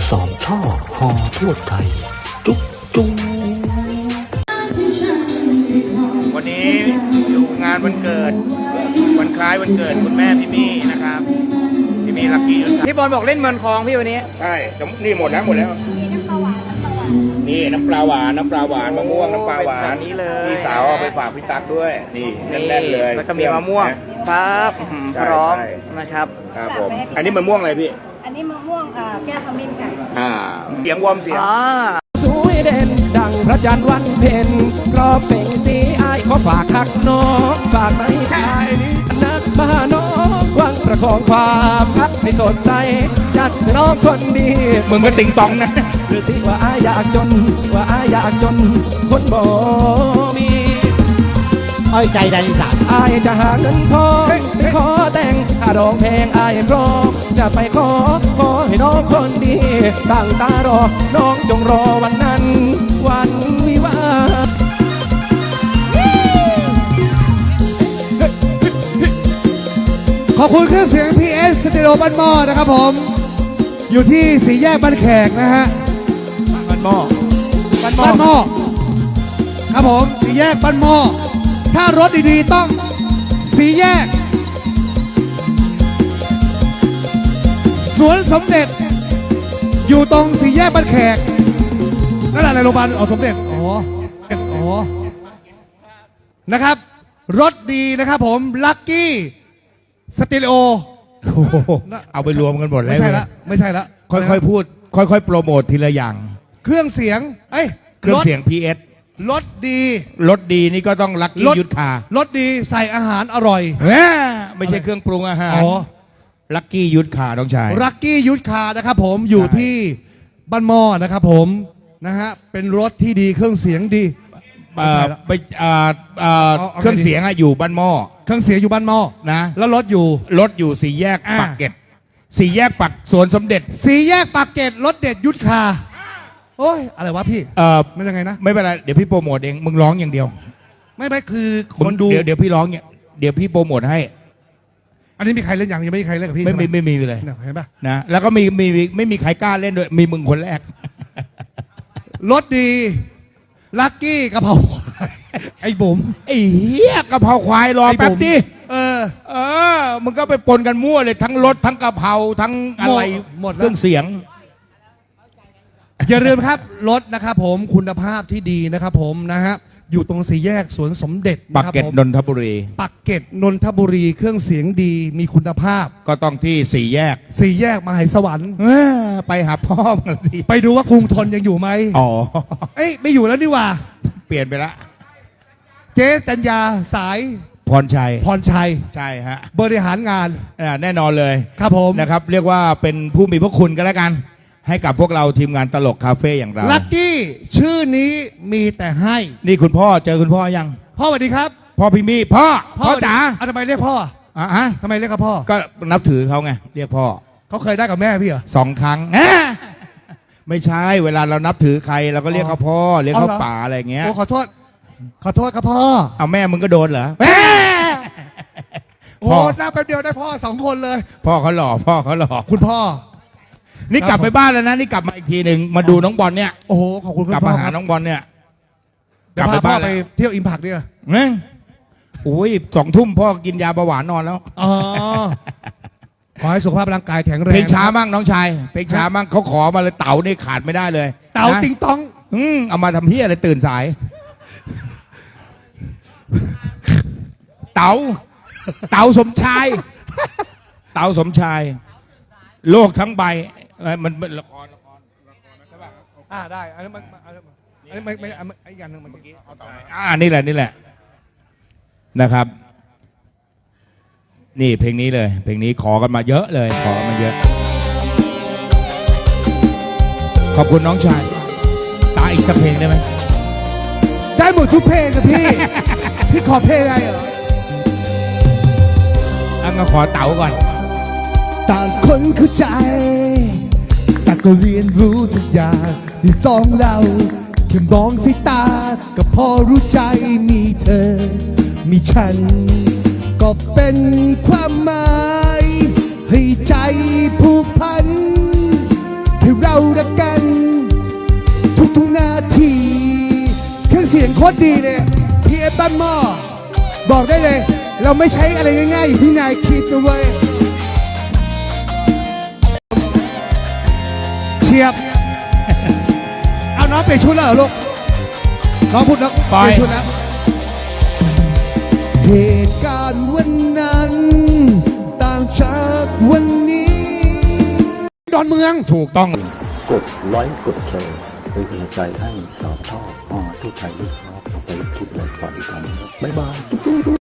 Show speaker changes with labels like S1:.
S1: สามช่อหอทั่วไทยจุ๊บจุ๊บ
S2: วันนี้อยู่งานวันเกิดวันคล้ายวันเกิดคุณแม่พี่มี่นะครับพี่มี่ลักกี้
S3: พี่บอลบอกเล่นเมืองคลองพี่วันนี้
S2: ใช่นี่หมดแล้วนี่น้ำปลาหวานมะม่วงน้ำปลาหวาน
S3: นี่เลย
S2: พี่สาวเอาไปฝากพี่ตั๊กด้วยนี่แน่นๆเลย
S3: แล้วก็มีมะม่วงครับพร้อมนะครับ
S2: ครับผมอันนี้มะม่วงอะไรพี่
S4: อันนี้มะม่วงแก้วขมิ้นค่ะ
S2: เสียงวอร์มเสียง
S5: สวยเด่นดังพระจันทร์วันเพ็ญรอบเป่งสีอายขอฝากคักน้องฝากไม่ชายนักมาน้องวังประคองความรักให้สดใสจัดน้องคนดี
S2: มึงก็ติงตองนะ
S5: หรือที่ว่าอายอยากจนคนบ่มี
S1: อ้อยใจแดนอีสาน
S5: อายจะหาเงินทองไปขอแต่งถ้าดองแพงอายพร้อมจะไปขอให้น้องคนดีตั้งตารอน้องจงรอวันนั้นวันวิวา
S6: ขอบคุณเครื่องเสียง PS สเตอริโอบ้านหม้อนะครับผมอยู่ที่สี่แยกบ้านแขกนะฮะ
S5: บ้านหม้อ
S6: ครับผมสี่แยกบ้านหม้อถ้ารถดีๆต้องสี่แยกสวนสมเด็จอยู่ตรงสี่แยกบ้านแขกนั่นแหละในโรงพยาบาลสมเด็จนะครับรถดีนะครับผมลัคกี้สเตอริโอ
S2: เอาไปรวมกันหมดแล้ว
S6: ไม่ใช่ละ
S2: ค่อยๆพูดค่อยๆโปรโมททีละอย่าง
S6: เครื่องเสียง
S2: เครื่องเสียง PS
S6: รถดี
S2: นี่ก็ต้องลัคกี้ยุทธาร
S6: ถดีใส่อาหารอร่อย
S2: ไม่ใช่เครื่องปรุงอาหารลัคกี้ยุทธาน้องชาย
S6: ลัคกี้ยุทธานะครับผมอยู่ที่บ้านหม้อนะครับผมนะฮะเป็นรถที่ดีเครื่องเสียงดี
S2: เครื่องเสียงอยู่บ้านหม้อ
S6: เครื่องเสียงอยู่บ้านหม้อ
S2: นะ
S6: แล้วรถอยู่
S2: สี่แยกปากเกร็ดสี่แยกปักสวนสมเด็จ
S6: สี่แยกปากเกร็ดรถเด็ดยุทธาโอ้ยอะไรวะพี่มันยังไงนะ
S2: ไม่เป็นไรเดี๋ยวพี่โปรโมทเองมึงร้องอย่างเดียว
S6: ไม่คือคนดู
S2: เดี๋ยวพี่ร้องเนี่ยเดี๋ยวพี่โปรโมทให้
S6: อันนี้มีใครเล่นยังไม่มีใครเล่นกับพี่
S2: ไม่มีเลย
S6: เห็นปะ
S2: นะแล้วก็ไม่มีใครกล้าเล่นด้วยมีมึงคนแรก
S6: รถดีลัคกี้กะเพราควายไอ้บุ๋ม
S2: ไอ้เหี้ยกะเพราควายรอแป๊บดิมึงก็ไปปนกันมั่วเลยทั้งรถทั้งกะเพราทั้งอะไร
S6: หมด
S2: เครื่องเสียง
S6: อย่าลืมครับรถนะครับผมคุณภาพที่ดีนะครับผมนะฮะอยู่ตรงสี่แยกสวนสมเด็จ
S2: ปากเกร็ดนนทบุรี
S6: เครื่องเสียงดีมีคุณภาพ
S2: ก็ต้องที่สี่แยก
S6: มหาสวรรค์
S2: ไปหาพ่อมาสิ
S6: ไปดูว่ากรุงทนยังอยู่ไหมไม่อยู่แล้วนี่ว่า
S2: เปลี่ยนไปละ
S6: เจ๊จัญญาสาย
S2: พรชัยใช่ฮะ
S6: บริหารงาน
S2: แน่นอนเลย
S6: ครับผม
S2: นะครับเรียกว่าเป็นผู้มีพระคุณกันแล้วกันให้กับพวกเราทีมงานตลกคาเฟ่อย่างเรา
S6: ลัคกี้ชื่อนี้มีแต่ให้
S2: นี่คุณพ่อเจอคุณพ่อยัง
S6: พ่อสวัสดีครับ
S2: พ่อพี่มี่พ่อจ๋า
S6: ทำไมเรียกพ่อทำไมเรียกพ่อ
S2: ก็นับถือเขาไงเรียกพ่อ
S6: เขาเคยได้กับแม่พี่เหรอ
S2: 2 ครั้งไม่ใช่เวลาเรานับถือใครเราก็เรียกเขาพ่อเรียกเขาป๋าอะไรเงี้ย
S6: โอ้ขอโทษครับพ่อ
S2: เอาแม่มึงก็โดนเหรอ
S6: โอ้หน้าแป๊บเดียวได้พ่อ2 คนเลย
S2: พ่อเขาหล่อ
S6: คุณพ่อ
S2: นี่กลับไปบ้านแล้วนะนี่กลับมาอีกทีหนึ่งมาดูน้องบอลเนี่ย
S6: โอ้โหขอบคุณ
S2: กลับมาหาน้องบอลเนี่ย
S6: กลับไปบ้านไปเที่ยวอิมพักเนี่ย
S2: โอ้ย2 ทุ่มพ่อกินยาเบาหวานนอนแล้ว
S6: ขอให้สุขภาพร่างกายแข็งแรง
S2: เพลงช้ามั่งน้องชายเพลงช้ามั่งเขาขอมาเลยเต๋านี่ขาดไม่ได้เลย
S6: เต๋าติงตอง
S2: เอามาทำเพี้ยอะไรตื่นสายเต๋าสมชายโลกทั้งใบมันละครใช่
S6: ป่ะได้อันนี้ไม่ไอ้ยันหนึ่งเมื่อกี้
S2: นี่แหละนะครับ นี่เพลงนี้เลยเพลงนี้ขอกันมาเยอะเลยขอกันมาเยอะขอบคุณน้องชายตาอีกสักเพลงได้ไหม
S6: ได้หมดทุกเพลงครับพี่ พี่ขอเพลงอะไรเหรอ
S2: ก็ขอเต๋าก่อน
S6: ต่างคนเข้าใจแต่ก็เรียนรู้ทุกอย่างที่ต้องเล่าแค่มองสายตาก็พอรู้ใจมีเธอมีฉันก็เป็นความหมายให้ใจผูกพันให้เราได้ตรดีเลยพี่เอฟบ้านหม้อบอกได้เลย เราไม่ใช้อะไรง่ายๆอย่างที่นายคิดนะเว้ยเชียบ เอาน้องเปลี่ยนชุดแล้วเหรอลูกน้องพูดแล้วเปลี่ยนชุดแล้วเหตุการณ์วันนั้นต่างจากวันนี้ดอนเมืองถูกต้อง
S1: กดไลค์กดแชร์เป็นกำลังใจให้สาวท่อทุกไทยด้วยครับไปคลิปเลยก่อนอีกครั้งบ๊ายบาย